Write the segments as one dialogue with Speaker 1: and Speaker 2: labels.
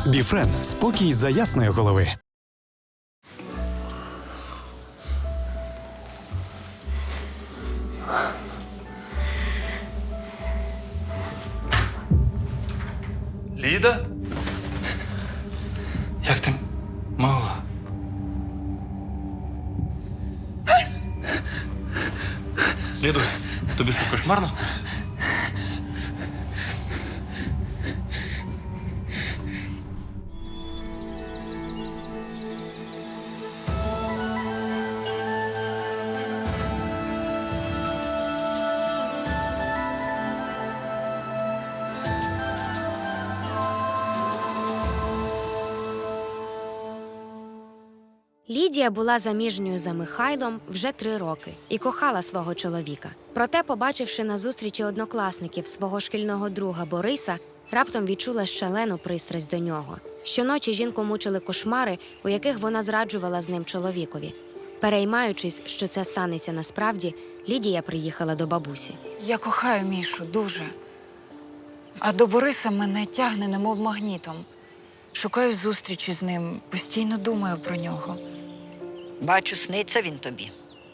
Speaker 1: Біфрен – спокій за ясної голови.
Speaker 2: Ліда? Як ти могла? Ліду, тобі що, кошмар наснився?
Speaker 3: Лідія була заміжньою за Михайлом вже 3 роки і кохала свого чоловіка. Проте, побачивши на зустрічі однокласників свого шкільного друга Бориса, раптом відчула шалену пристрасть до нього. Щоночі жінку мучили кошмари, у яких вона зраджувала з ним чоловікові. Переймаючись, що це станеться насправді, Лідія приїхала до бабусі.
Speaker 4: Я кохаю Мішу дуже. А до Бориса мене тягне, немов магнітом. Шукаю зустрічі з ним, постійно думаю про нього.
Speaker 5: Бачу, сниться він тобі.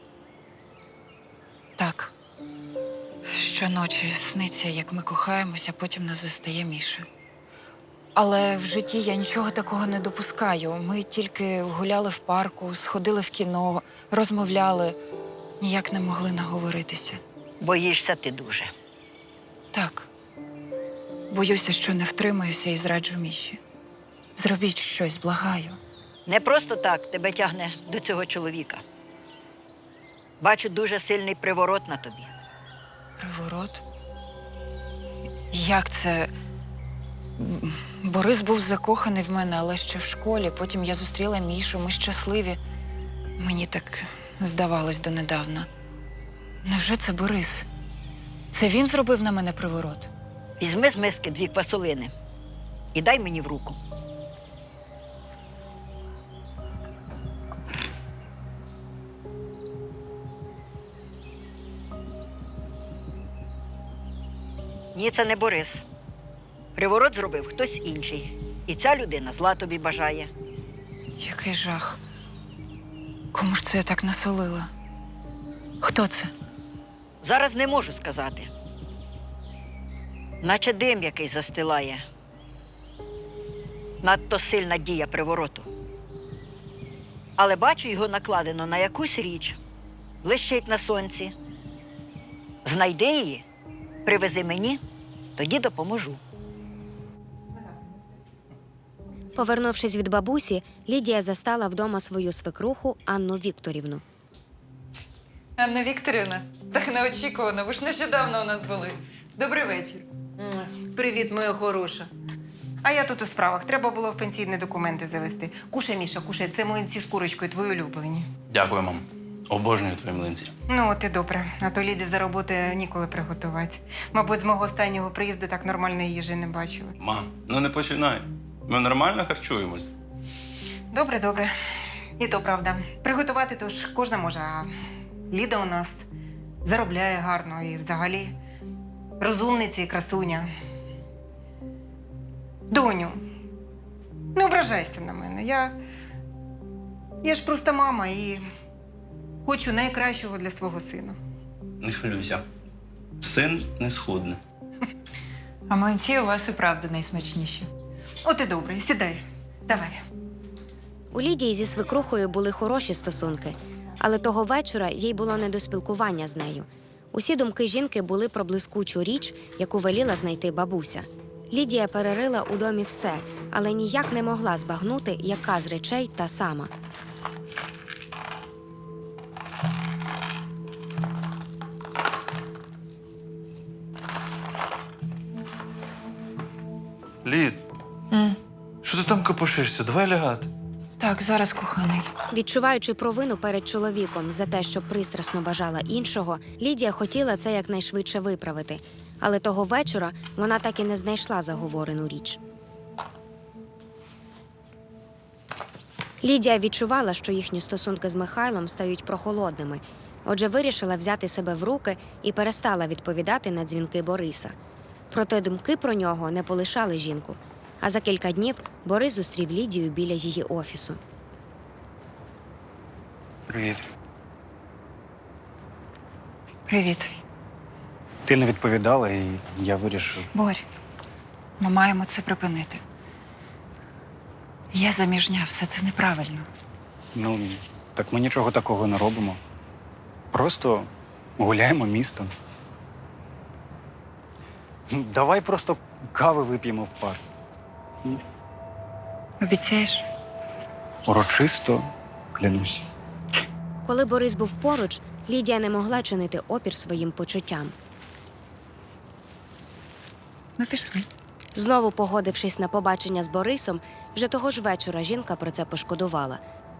Speaker 4: Так. Щоночі сниться, як ми кохаємося, а потім нас застає Міша. Але в житті я нічого такого не допускаю. Ми тільки гуляли в парку, сходили в кіно, розмовляли. Ніяк не могли наговоритися.
Speaker 5: Боїшся ти дуже.
Speaker 4: Так. Боюся, що не втримаюся і зраджу Міші. Зробіть щось, благаю.
Speaker 5: Не просто так тебе тягне до цього чоловіка. Бачу дуже сильний приворот на тобі.
Speaker 4: Приворот? Як це? Борис був закоханий в мене, але ще в школі. Потім я зустріла Мішу, ми щасливі. Мені так здавалось донедавна. Невже це Борис? Це він зробив на мене приворот?
Speaker 5: Візьми з миски 2 квасолини і дай мені в руку. Ні, це не Борис. Приворот зробив хтось інший. І ця людина зла тобі бажає.
Speaker 4: Який жах. Кому ж це я так насолила? Хто це?
Speaker 5: Зараз не можу сказати. Наче дим який застилає. Надто сильна дія привороту. Але бачу, його накладено на якусь річ. Блищить на сонці. Знайди її, привези мені, тоді допоможу.
Speaker 3: Повернувшись від бабусі, Лідія застала вдома свою свекруху Анну Вікторівну.
Speaker 6: Анна Вікторівна, так неочікувано, ви ж нещодавно у нас були. Добрий вечір.
Speaker 7: Привіт, моя хороша. А я тут у справах. Треба було в пенсійні документи завести. Кушай, Міша, кушай. Це млинці з курочкою, твої улюблені.
Speaker 2: Дякую, мам. Обожнюю твої млинці.
Speaker 7: Ну, от і добре. А то Ліді за роботи ніколи приготувати. Мабуть, з мого останнього приїзду так нормальної їжі не бачили.
Speaker 2: Мам, ну не починай. Ми нормально харчуємось.
Speaker 7: Добре, добре. І то правда. Приготувати то ж кожна може, а Ліда у нас заробляє гарно і взагалі розумниця і красуня. Доню, не ображайся на мене. Я ж просто мама і хочу найкращого для свого сина.
Speaker 2: Не хвилюйся. Син не схудне.
Speaker 6: А млинці у вас і правда найсмачніші.
Speaker 7: От і добре, сідай. Давай.
Speaker 3: У Лідії зі свекрухою були хороші стосунки, але того вечора їй було не до спілкування з нею. Усі думки жінки були про блискучу річ, яку веліла знайти бабуся. Лідія перерила у домі все, але ніяк не могла збагнути, яка з речей та сама.
Speaker 2: Лід, що ти там копошишся? Давай лягати.
Speaker 4: Так, зараз, коханий.
Speaker 3: Відчуваючи провину перед чоловіком за те, що пристрасно бажала іншого, Лідія хотіла це якнайшвидше виправити. Але того вечора вона так і не знайшла заговорену річ. Лідія відчувала, що їхні стосунки з Михайлом стають прохолодними. Отже, вирішила взяти себе в руки і перестала відповідати на дзвінки Бориса. Проте думки про нього не полишали жінку. А за кілька днів Борис зустрів Лідію біля її офісу.
Speaker 8: Привіт.
Speaker 4: Привіт.
Speaker 8: Ти не відповідала, і я вирішив.
Speaker 4: Борь, ми маємо це припинити. Я заміжня, все це неправильно.
Speaker 8: Ну, так ми нічого такого не робимо. Просто гуляємо містом. Давай просто кави вип'ємо в парк.
Speaker 4: Обіцяєш?
Speaker 8: Урочисто клянусь.
Speaker 3: Коли Борис був поруч, Лідія не могла чинити опір своїм почуттям.
Speaker 4: Ну, пішли.
Speaker 3: Знову погодившись на побачення з Борисом, вже того ж вечора жінка про це пошкодувала.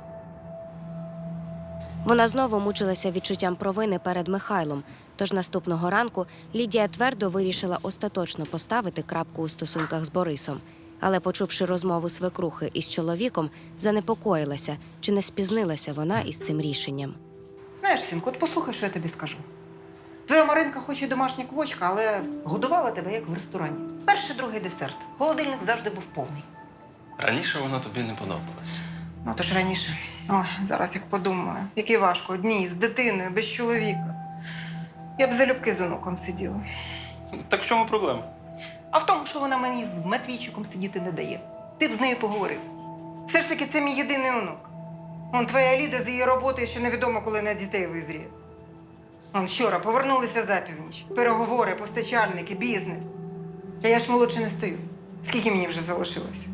Speaker 3: Вона знову мучилася відчуттям провини перед Михайлом, тож наступного ранку Лідія твердо вирішила остаточно поставити крапку у стосунках з Борисом. Але, почувши розмову свекрухи із чоловіком, занепокоїлася, чи не спізнилася вона із цим рішенням.
Speaker 7: Знаєш, синку, от послухай, що я тобі скажу. Твоя Маринка хоч і домашня квочка, але годувала тебе, як в ресторані. Перший, другий десерт. Холодильник завжди був повний.
Speaker 2: Раніше воно тобі не подобалось.
Speaker 7: Ну, то ж раніше. Ой, зараз як подумаю, який важко, одній, з дитиною, без чоловіка. Я б залюбки з онуком сиділа.
Speaker 2: Так в чому проблема?
Speaker 7: А в тому, що вона мені з Матвійчиком сидіти не дає. Ти б з нею поговорив. Все ж таки, це мій єдиний онук. Вон твоя Ліда з її роботою ще невідомо, коли на дітей визріє. Вон вчора повернулися за північ. Переговори, постачальники, бізнес. А я ж молодше не стою. Скільки мені вже залишилося?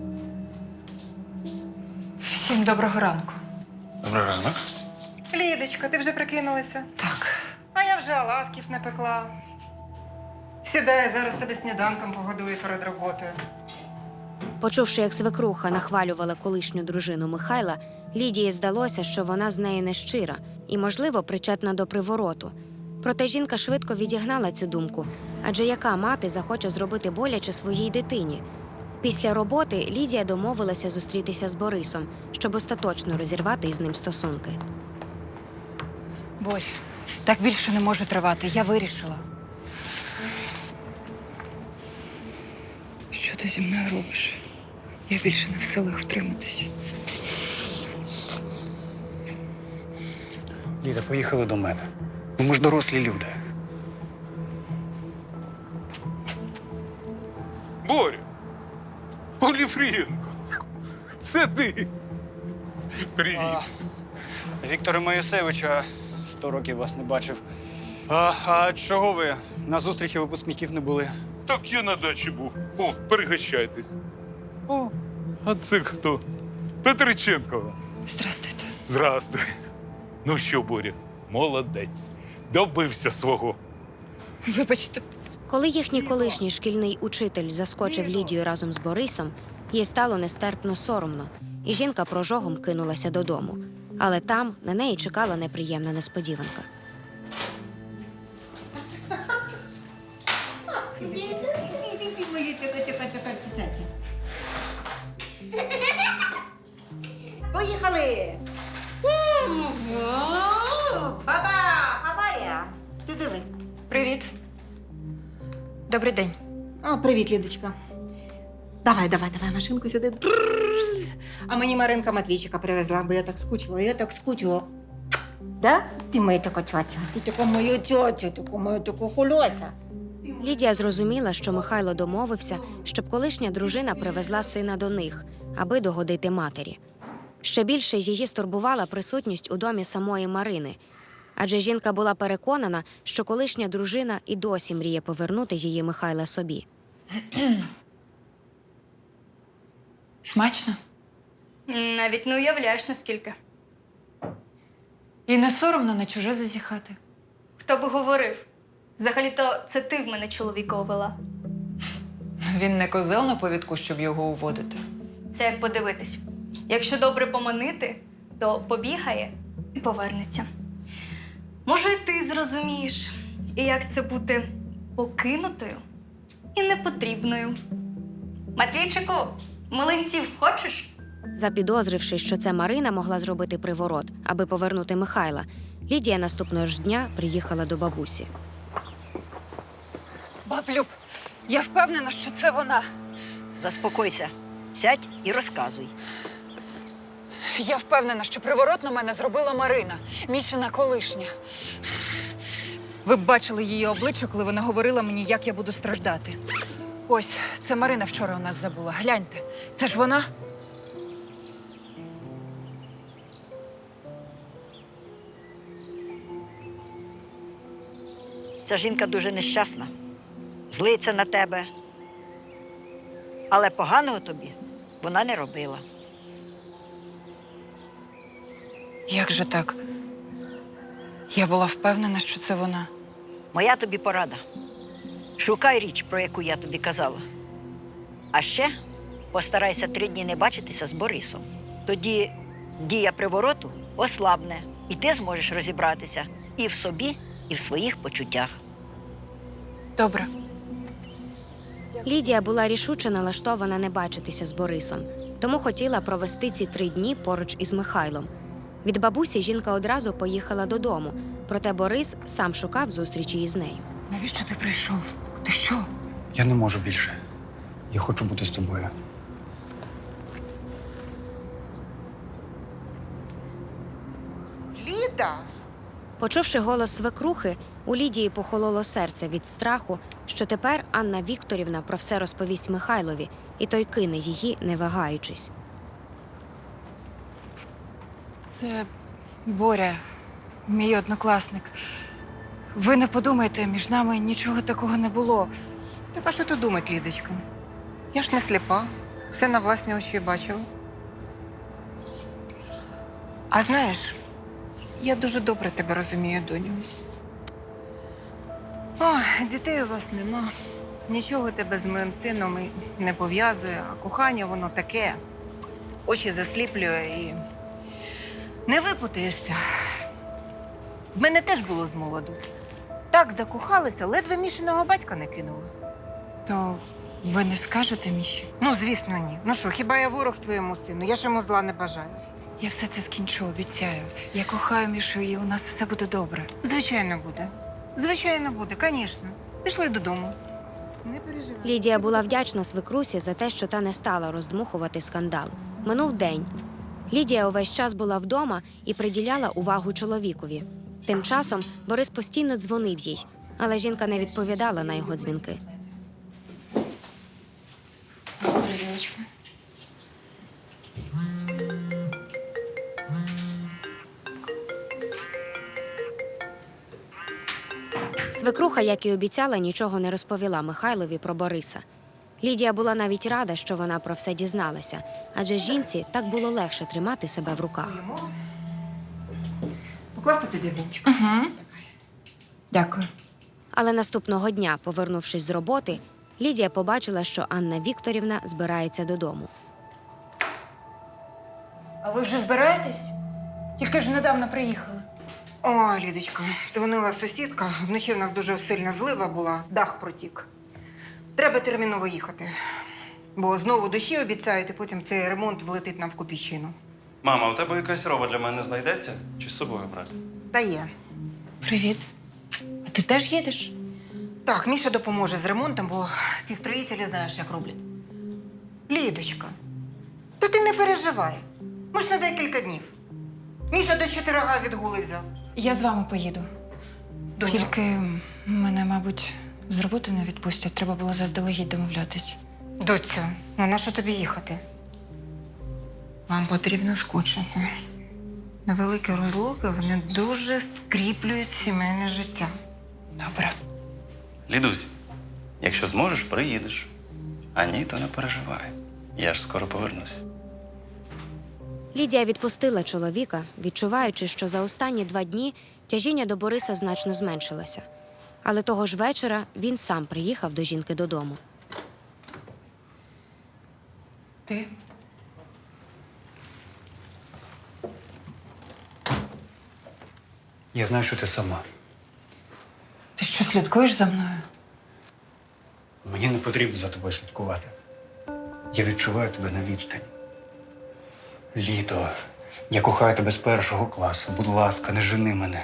Speaker 4: Всім доброго ранку.
Speaker 2: Добрий ранок.
Speaker 7: Лідочка, ти вже прикинулася?
Speaker 4: Так.
Speaker 7: А я вже оладків напекла. Сідай, зараз тебе сніданком погодую перед роботою.
Speaker 3: Почувши, як свекруха нахвалювала колишню дружину Михайла, Лідії здалося, що вона з неї нещира і, можливо, причетна до привороту. Проте жінка швидко відігнала цю думку, адже яка мати захоче зробити боляче своїй дитині? Після роботи Лідія домовилася зустрітися з Борисом, щоб остаточно розірвати із ним стосунки.
Speaker 4: Борь, так більше не може тривати. Я вирішила. Що ти зі мною робиш? Я більше не в силах втриматися.
Speaker 8: Ліда, поїхали до мене. Ми ж дорослі люди.
Speaker 9: Боря! Оліфрієнко! Це ти! Привіт!
Speaker 8: Віктора Моїсевича 100 років вас не бачив. А чого ви? На зустрічі випускників не були.
Speaker 9: Так я на дачі був. О, перегощайтесь. О, а це хто? Петриченкова.
Speaker 4: Здрастуйте.
Speaker 9: Здрастуй. Ну що, Боря, молодець. Добився свого.
Speaker 4: Вибачте.
Speaker 3: Коли їхній колишній шкільний учитель заскочив Лідію разом з Борисом, їй стало нестерпно соромно, і жінка прожогом кинулася додому. Але там на неї чекала неприємна несподіванка.
Speaker 7: Поїхали! Баба, аварія! Ти диви.
Speaker 4: Привіт. Добрий день.
Speaker 7: О, привіт, Лідочка. Давай, машинку сюди. Тррррз. А мені Маринка Матвійчика привезла, бо я так скучила. Да? Ти моя така тьотя, ти така моя тьотя, така моя така хульося.
Speaker 3: Лідія зрозуміла, що Михайло домовився, щоб колишня дружина привезла сина до них, аби догодити матері. Ще більше її стурбувала присутність у домі самої Марини, адже жінка була переконана, що колишня дружина і досі мріє повернути її Михайла собі.
Speaker 4: Смачно?
Speaker 10: Навіть не уявляєш, наскільки.
Speaker 4: І не соромно на чуже зазіхати.
Speaker 10: Хто би говорив? Взагалі-то це ти в мене чоловіка увела.
Speaker 6: Він не козел на повідку, щоб його уводити.
Speaker 10: Це як подивитись. Якщо добре поманити, то побігає і повернеться. Може, і ти зрозумієш, і як це бути покинутою і непотрібною. Матвійчику, млинців хочеш?
Speaker 3: Запідозривши, що це Марина могла зробити приворот, аби повернути Михайла, Лідія наступного ж дня приїхала до бабусі.
Speaker 4: Баб Люб, я впевнена, що це вона.
Speaker 5: заспокойся. Сядь і розказуй.
Speaker 4: Я впевнена, що приворот на мене зробила Марина, Мішина колишня. Ви б бачили її обличчя, коли вона говорила мені, як я буду страждати. Ось, це Марина вчора у нас забула. Гляньте, це ж вона?
Speaker 5: Ця жінка дуже нещасна, злиться на тебе. Але поганого тобі вона не робила.
Speaker 4: Як же так? Я була впевнена, що це вона.
Speaker 5: Моя тобі порада. Шукай річ, про яку я тобі казала. А ще постарайся 3 дні не бачитися з Борисом. Тоді дія привороту ослабне, і ти зможеш розібратися і в собі, і в своїх почуттях.
Speaker 4: Добре.
Speaker 3: Лідія була рішуче налаштована не бачитися з Борисом, тому хотіла провести ці 3 дні поруч із Михайлом. Від бабусі жінка одразу поїхала додому, проте Борис сам шукав зустрічі із нею.
Speaker 4: Навіщо ти прийшов? Ти що?
Speaker 8: Я не можу більше. Я хочу бути з тобою.
Speaker 7: Ліда!
Speaker 3: Почувши голос свекрухи, у Лідії похололо серце від страху, що тепер Анна Вікторівна про все розповість Михайлові, і той кине її, не вагаючись.
Speaker 4: Це Боря, мій однокласник. Ви не подумайте, між нами нічого такого не було.
Speaker 7: Так а що тут думать, Лідочка? Я ж не сліпа, все на власні очі бачила. А знаєш, я дуже добре тебе розумію, доню. Ой, дітей у вас нема. Нічого тебе з моїм сином і не пов'язує, а кохання воно таке. Очі засліплює і не випутаєшся. В мене теж було з молоду. Так закохалися, ледве Мішиного батька не кинула.
Speaker 4: То ви не скажете, Міші?
Speaker 7: Ну, звісно, ні. Ну що, хіба я ворог своєму сину? Я ж йому зла не бажаю.
Speaker 4: Я все це скінчу, обіцяю. Я кохаю Мішу, і у нас все буде добре.
Speaker 7: Звичайно, буде. Звичайно, буде, звісно. Пішли додому. Не переживай.
Speaker 3: Лідія була вдячна свекрусі за те, що та не стала роздмухувати скандал. Минув день. Лідія увесь час була вдома і приділяла увагу чоловікові. Тим часом Борис постійно дзвонив їй, але жінка не відповідала на його дзвінки.
Speaker 4: Перевілочку.
Speaker 3: Свекруха, як і обіцяла, нічого не розповіла Михайлові про Бориса. Лідія була навіть рада, що вона про все дізналася, адже жінці так було легше тримати себе в руках.
Speaker 7: Покласти тобі блінчик?
Speaker 4: Угу. Дякую.
Speaker 3: Але наступного дня, повернувшись з роботи, Лідія побачила, що Анна Вікторівна збирається додому.
Speaker 10: А ви вже збираєтесь? Тільки ж недавно приїхали.
Speaker 7: Ой, Лідочка, дзвонила сусідка. Вночі в нас дуже сильна злива була, дах протік. Треба терміново їхати. Бо знову дощі обіцяють, і потім цей ремонт влетить нам в копійчину.
Speaker 2: Мама, у тебе якась роба для мене знайдеться? Чи з собою брати?
Speaker 7: Та є.
Speaker 4: Привіт. А ти теж їдеш?
Speaker 7: Так, Міша допоможе з ремонтом, бо ці строїтелі знаєш, як роблять. Лідочка, та ти не переживай. Ми ж на декілька днів. Міша до 4 відгули взяв.
Speaker 4: Я з вами поїду.
Speaker 7: Доню.
Speaker 4: Тільки мене, мабуть, з роботи не відпустять. Треба було заздалегідь домовлятись.
Speaker 7: Доцю, ну на що тобі їхати? Вам потрібно скучити. На великі розлуки вони дуже скріплюють сімейне життя.
Speaker 4: Добре.
Speaker 2: Лідусь, якщо зможеш, приїдеш. А ні, то не переживай. Я ж скоро повернусь.
Speaker 3: Лідія відпустила чоловіка, відчуваючи, що за останні 2 дні тяжіння до Бориса значно зменшилося. Але того ж вечора він сам приїхав до жінки додому.
Speaker 4: Ти?
Speaker 8: Я знаю, що ти сама.
Speaker 4: Ти що, слідкуєш за мною?
Speaker 8: Мені не потрібно за тобою слідкувати. Я відчуваю тебе на відстані. Лідо, я кохаю тебе з 1 класу. Будь ласка, не жени мене.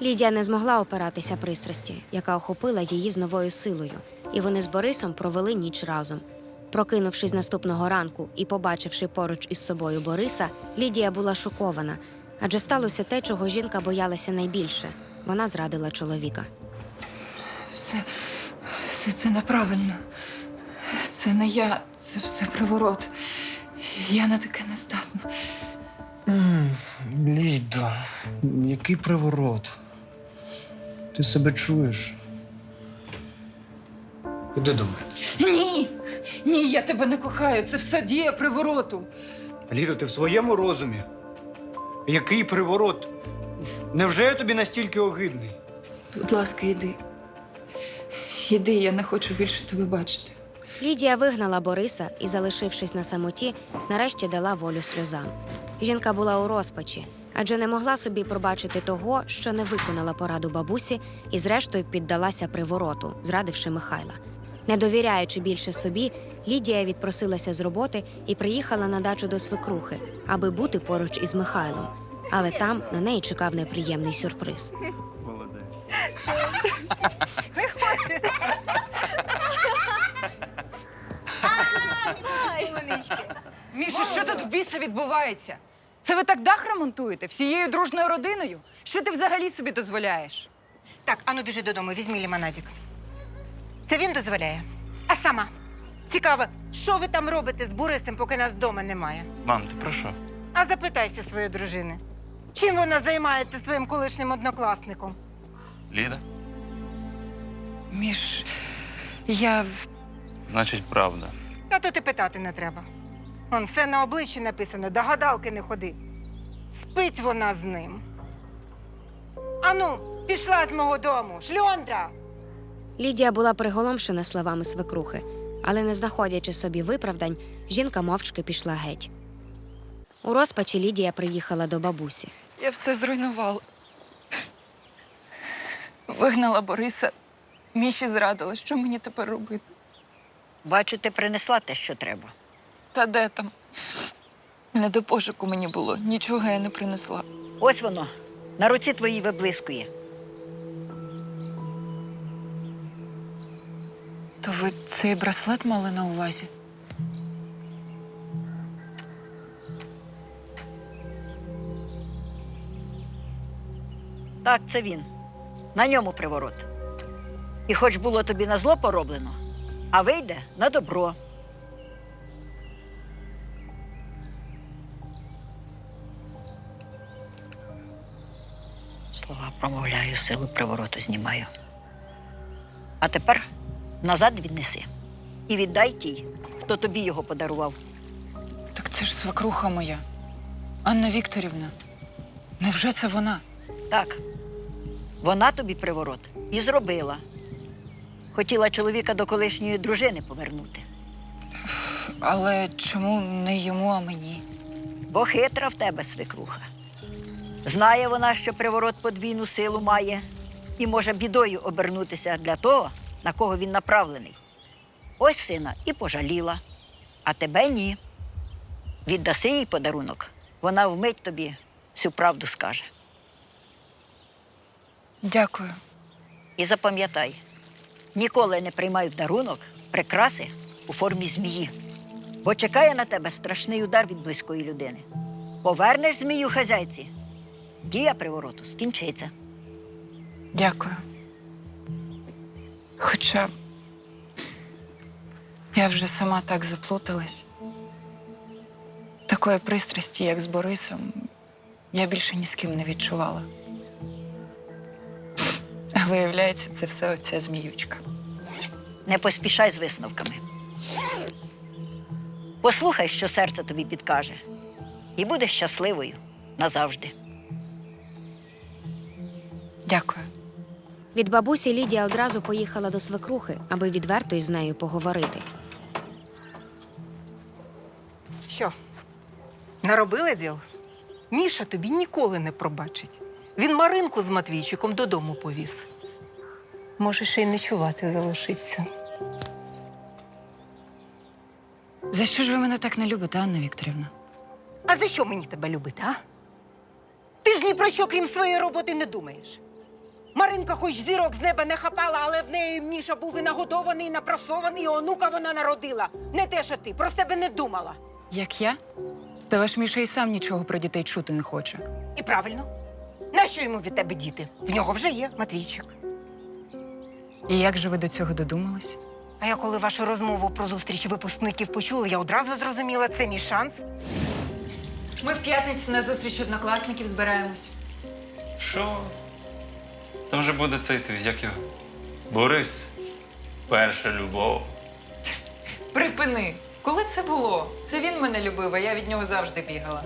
Speaker 3: Лідія не змогла опиратися пристрасті, яка охопила її з новою силою, і вони з Борисом провели ніч разом. Прокинувшись наступного ранку і побачивши поруч із собою Бориса, Лідія була шокована, адже сталося те, чого жінка боялася найбільше. Вона зрадила чоловіка.
Speaker 4: Все це неправильно. Це не я, це все приворот. Я на таке не здатна.
Speaker 8: Лідо, який приворот? Ти себе чуєш? Іди до мене.
Speaker 4: Ні! Ні, я тебе не кохаю. Це все дія привороту.
Speaker 8: Лідо, ти в своєму розумі? Який приворот? Невже я тобі настільки огидний?
Speaker 4: Будь ласка, йди. Йди, я не хочу більше тебе бачити.
Speaker 3: Лідія вигнала Бориса і, залишившись на самоті, нарешті дала волю сльозам. Жінка була у розпачі, адже не могла собі пробачити того, що не виконала пораду бабусі і зрештою піддалася привороту, зрадивши Михайла. Не довіряючи більше собі, Лідія відпросилася з роботи і приїхала на дачу до свекрухи, аби бути поруч із Михайлом. Але там на неї чекав неприємний сюрприз.
Speaker 4: Міша, що тут в біса відбувається? Це ви так дах ремонтуєте? Всією дружною родиною? Що ти взагалі собі дозволяєш?
Speaker 7: Так, ану біжи додому, візьми лімонадик. Це він дозволяє. А сама? Цікаво, що ви там робите з Борисом, поки нас вдома немає?
Speaker 2: Мам, ти про що?
Speaker 7: А запитайся своєї дружини. Чим вона займається своїм колишнім однокласником?
Speaker 2: Ліда?
Speaker 4: Міш, я...
Speaker 2: Значить, правда.
Speaker 7: Та то ти питати не треба. Вон все на обличчі написано, до гадалки не ходи. Спить вона з ним. Ану, пішла з мого дому, шльондра!
Speaker 3: Лідія була приголомшена словами свекрухи, але не знаходячи собі виправдань, жінка мовчки пішла геть. У розпачі Лідія приїхала до бабусі.
Speaker 4: Я все зруйнувала. Вигнала Бориса, Міші зрадила. Що мені тепер робити?
Speaker 5: Бачу, ти принесла те, що треба.
Speaker 4: Та де там? Не до пошуку мені було. Нічого я не принесла.
Speaker 5: Ось воно, на руці твоїй виблискує.
Speaker 4: То ви цей браслет мали на увазі?
Speaker 5: Так, це він. На ньому приворот. І хоч було тобі на зло пороблено, а вийде на добро. Слова промовляю, силу привороту знімаю. А тепер назад віднеси. І віддай тій, хто тобі його подарував.
Speaker 4: Так це ж свекруха моя. Анна Вікторівна. Невже це вона?
Speaker 5: Так, вона тобі приворот і зробила. Хотіла чоловіка до колишньої дружини повернути.
Speaker 4: Але чому не йому, а мені?
Speaker 5: Бо хитра в тебе свекруха. Знає вона, що приворот подвійну силу має і може бідою обернутися для того, на кого він направлений. Ось сина і пожаліла, а тебе ні. Віддаси їй подарунок, вона вмить тобі всю правду скаже.
Speaker 4: Дякую.
Speaker 5: І запам'ятай, ніколи не приймай в дарунок прикраси у формі змії, бо чекає на тебе страшний удар від близької людини. Повернеш змію хазяйці, дія привороту скінчиться.
Speaker 4: Дякую. Хоча я вже сама так заплуталась. Такої пристрасті, як з Борисом, я більше ні з ким не відчувала. А виявляється, це все оця зміючка.
Speaker 5: Не поспішай з висновками. Послухай, що серце тобі підкаже, і будеш щасливою назавжди.
Speaker 4: Дякую.
Speaker 3: Від бабусі Лідія одразу поїхала до свекрухи, аби відверто із нею поговорити.
Speaker 7: Що, наробила діл? Міша тобі ніколи не пробачить. Він Маринку з Матвійчиком додому повіз. Може, ще й ночувати залишиться.
Speaker 4: За що ж ви мене так не любите, Анна Вікторівна?
Speaker 7: А за що мені тебе любити, а? Ти ж ні про що, крім своєї роботи, не думаєш. Маринка хоч зірок з неба не хапала, але в неї Міша був і нагодований, і напросований, і онука вона народила. Не те, що ти, про себе не думала.
Speaker 4: Як я? Та ваш Міша і сам нічого про дітей чути не хоче.
Speaker 7: І правильно. Нащо йому від тебе діти? В нього вже є Матвійчик.
Speaker 4: І як же ви до цього додумались?
Speaker 7: А я коли вашу розмову про зустріч випускників почула, я одразу зрозуміла, це мій шанс.
Speaker 6: Ми в п'ятницю на зустріч однокласників збираємось.
Speaker 2: Що? Там же буде цей твій, як його? Борис. Перша любов.
Speaker 6: Припини! Коли це було? Це він мене любив, а я від нього завжди бігала.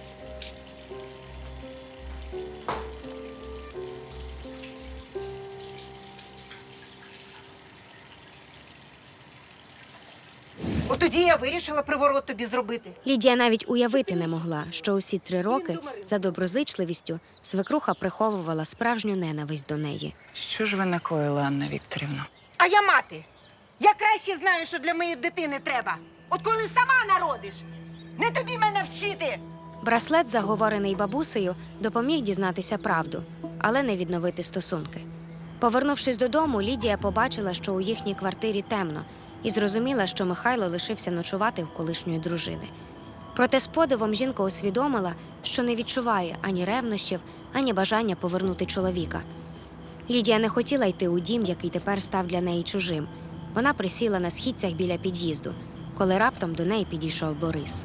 Speaker 7: От тоді я вирішила приворот тобі зробити.
Speaker 3: Лідія навіть уявити не могла, що усі 3 роки за доброзичливістю свекруха приховувала справжню ненависть до неї.
Speaker 4: Що ж ви накоїли, Анна Вікторівна?
Speaker 7: А я мати. Я краще знаю, що для моєї дитини треба. От коли сама народиш, не тобі мене вчити.
Speaker 3: Браслет, заговорений бабусею, допоміг дізнатися правду, але не відновити стосунки. Повернувшись додому, Лідія побачила, що у їхній квартирі темно, і зрозуміла, що Михайло лишився ночувати в колишньої дружини. Проте з подивом жінка усвідомила, що не відчуває ані ревнощів, ані бажання повернути чоловіка. Лідія не хотіла йти у дім, який тепер став для неї чужим. Вона присіла на східцях біля під'їзду, коли раптом до неї підійшов Борис.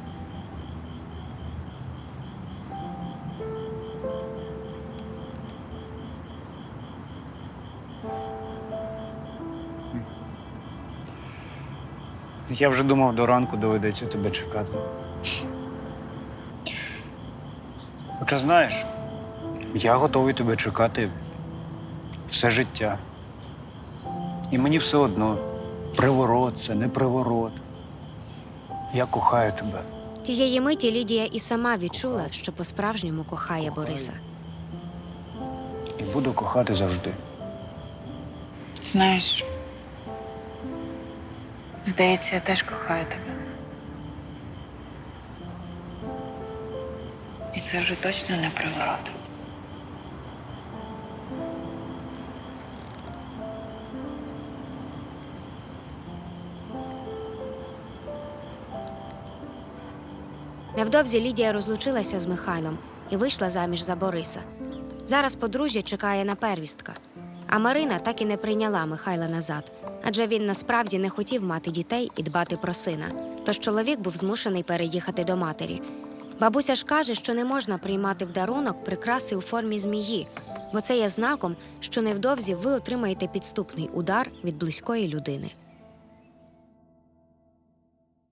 Speaker 8: Я вже думав, до ранку доведеться тебе чекати. Хоча знаєш, я готовий тебе чекати все життя. І мені все одно, приворот це, не приворот. Я кохаю тебе.
Speaker 3: Тієї миті Лідія і сама відчула, що по-справжньому кохає Бориса.
Speaker 8: І буду кохати завжди.
Speaker 4: Знаєш, здається, я теж кохаю тебе. І це вже точно не приворот.
Speaker 3: Невдовзі Лідія розлучилася з Михайлом і вийшла заміж за Бориса. Зараз подружжя чекає на первістка. А Марина так і не прийняла Михайла назад, адже він насправді не хотів мати дітей і дбати про сина. Тож чоловік був змушений переїхати до матері. Бабуся ж каже, що не можна приймати в дарунок прикраси у формі змії, бо це є знаком, що невдовзі ви отримаєте підступний удар від близької людини.